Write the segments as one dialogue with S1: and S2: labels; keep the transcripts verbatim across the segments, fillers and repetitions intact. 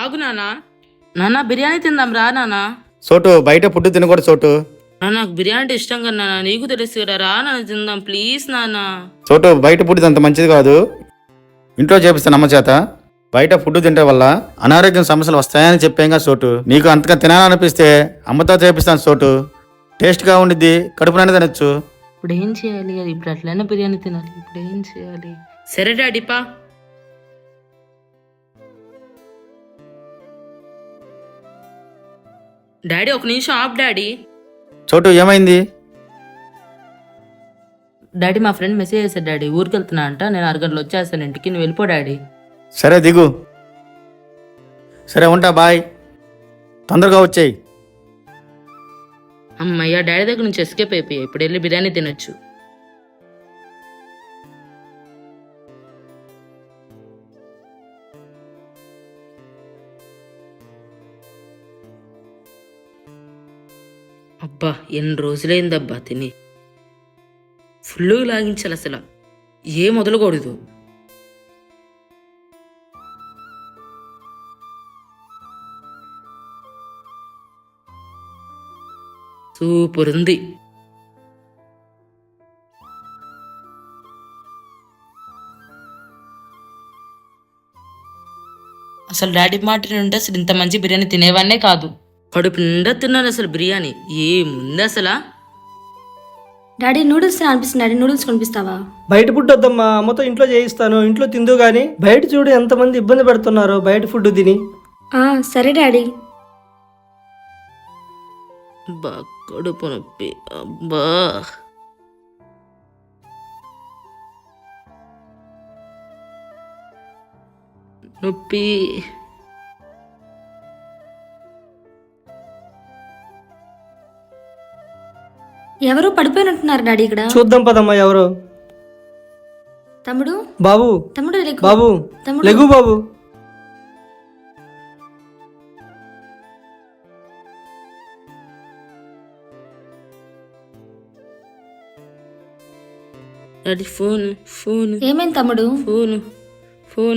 S1: ఆగు నానా. నాన్న బిర్యానీ తిందాం రా నానా.
S2: చోటు బయట ఫుడ్ తినకూడదు చోటు.
S1: నాకు బిర్యానీ అంటే ఇష్టం కదా నాన్న, నీకు తెలుసు కదా. రా నాన్న తిందాం ప్లీజ్ నాన్న.
S2: చోటు బయట ఫుడ్ అంత మంచిది కాదు, ఇంట్లో చేపిస్తాను అమ్మ చేత. బయట ఫుడ్ తింటే వల్ల అనారోగ్యం సమస్యలు వస్తాయని చెప్పాంగా చోటు. నీకు అంతగా తినాలనిపిస్తే అమ్మతో చేపిస్తాను చోటు. టేస్ట్గా ఉండిద్ది, కడుపు నిండా తినొచ్చు.
S1: ఇప్పుడు ఏం చేయాలి? అది ఇప్పుడు అట్లయినా బిర్యానీ తినాలి, ఇప్పుడు ఏం చేయాలి? సరే డాడీ పా. డాడీ ఒక నిమిషం ఆఫ్ డాడీ.
S2: చోటు ఏమైంది?
S1: డాడీ మా ఫ్రెండ్ మెసేజ్ చేశాడు డాడీ, ఊరికి వెళ్తున్నా అంట, నేను అరగంటలో వచ్చేస్తాను ఇంటికి, నువ్వు వెళ్ళిపో డాడీ.
S2: సరే దిగు. సరే ఉంటా, బాయ్. తొందరగా వచ్చేయి.
S1: అమ్మయ్య డాడీ దగ్గర నుంచి ఎస్కేప్ అయిపోయా, ఇప్పుడు వెళ్ళి బిర్యానీ తినొచ్చు. అబ్బా ఎన్ని రోజులైందబ్బా తిని, ఫుల్గా లాగించాలి అసలు, ఏ మొదలుకూడదు. సూపర్ ఉంది. అసలు డాడీ మాట నుండి అసలు ఇంత మంచి బిర్యానీ తినేవాడినే కాదు. కడుపు నిండా తిన్నాను అసలు బిర్యానీ, ఏముంది అసలు.
S3: డాడీ నూడిల్స్ అనిపిస్తుంది, డాడీ నూడిల్స్ కొనిపిస్తావా?
S4: బయట ఫుడ్ వద్దమ్మా, అమ్మతో ఇంట్లో చేయిస్తాను, ఇంట్లో తిందు గాని. బయట చూడు ఎంతమంది ఇబ్బంది పెడుతున్నారో బయట ఫుడ్ తిని.
S3: సరే డాడీ.
S1: అబ్బా కడుపు నొప్పి, అబ్బా. నొప్పి.
S3: ఎవరో పడిపోయినట్టున్నారు డాడీ ఇక్కడ.
S4: చూద్దాం పదమ్మా ఎవరు.
S3: తమ్ముడు
S4: బాబు,
S3: తమ్ముడు లెగు.
S4: బాబు
S3: తమ్ముడు
S4: లెగు బాబు.
S1: డాడీ ఫోన్ ఫోన్
S3: ఏమైంది తమ్ముడు?
S1: ఫోన్ ఫోన్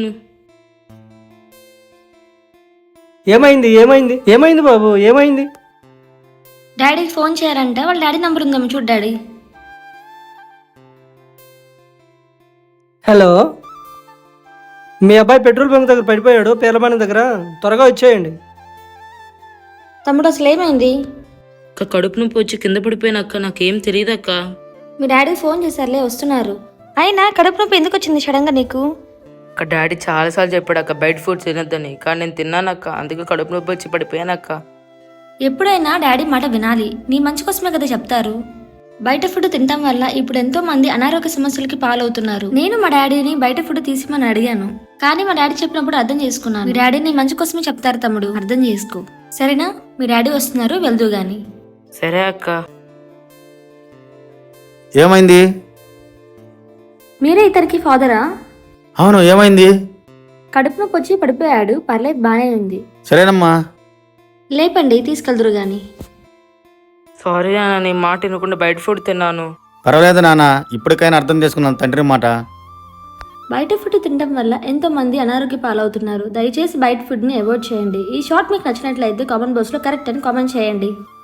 S4: ఏమైంది ఏమైంది ఏమైంది బాబు ఏమైంది?
S3: డాడీకి ఫోన్ చేయాలంట, వాళ్ళ డాడీ నంబర్ ఉందేమో చూడు డాడీ.
S4: హలో, మీ అబ్బాయి పెట్రోల్ బంక్ దగ్గర పడిపోయాడు, పేర్లబాణి దగ్గర, త్వరగా వచ్చేయండి.
S3: తమ్ముడు అసలు ఏమైంది?
S1: అక్క కడుపు నొప్పి వచ్చి కింద పడిపోయినక్క, నాకేం తెలియదు అక్క.
S3: మీ డాడీ ఫోన్ చేశారులే, వస్తున్నారు. అయినా కడుపు నొప్పి ఎందుకు వచ్చింది సడన్ గా నీకు?
S1: అక్క డాడీ చాలాసార్లు చెప్పాడు అక్క బయట ఫుడ్ తినొద్దని, కానీ నేను తిన్నానక్క, అందుకే కడుపు నొప్పి వచ్చి పడిపోయానక్క.
S3: ఎప్పుడైనా డాడీ మాట వినాలి, నీ మంచి కోసమే కదా చెప్తారు. బయట ఫుడ్ తినడం వల్ల ఇప్పుడు ఎంతో మంది అనారోగ్య సమస్యలకి పాలవుతున్నారు. నేను మా డాడీని బయట ఫుడ్ తీసిమని అడిగాను, కానీ మా డాడీ చెప్పినప్పుడు అర్థం చేసుకున్నాను. మీ డాడీని మంచి కోసమే చెప్తారు తమ్ముడు, అర్థం చేసుకో సరేనా? మీ డాడీ వస్తున్నారు, వెళ్దు గాని.
S1: సరే అక్క.
S2: ఏమైంది?
S3: మీరే ఇతనికి ఫాదరా?
S2: అవును, ఏమైంది?
S3: కడుపు నొప్పి వచ్చి పడిపోయాడు, పర్లేదు బానే ఉంది.
S2: సరేనమ్మా.
S3: లేపండి తీసుకెళ్దురు గాని.
S1: సారీ నాన్న, నీ మాట వినకుండా బయట ఫుడ్ తిన్నాను.
S2: పర్వాలేదు నాన్న, ఇప్పటికైనా అర్థం చేసుకున్నాను తండ్రి మాట.
S3: బయట ఫుడ్ తినడం వల్ల ఎంతో మంది అనారోగ్య పాలవుతున్నారు. దయచేసి బయట ఫుడ్ ని అవాయిడ్ చేయండి. ఈ షార్ట్ మీకు నచ్చినట్లయితే కామెంట్ బాక్స్ లో కరెక్ట్ అని కామెంట్ చేయండి.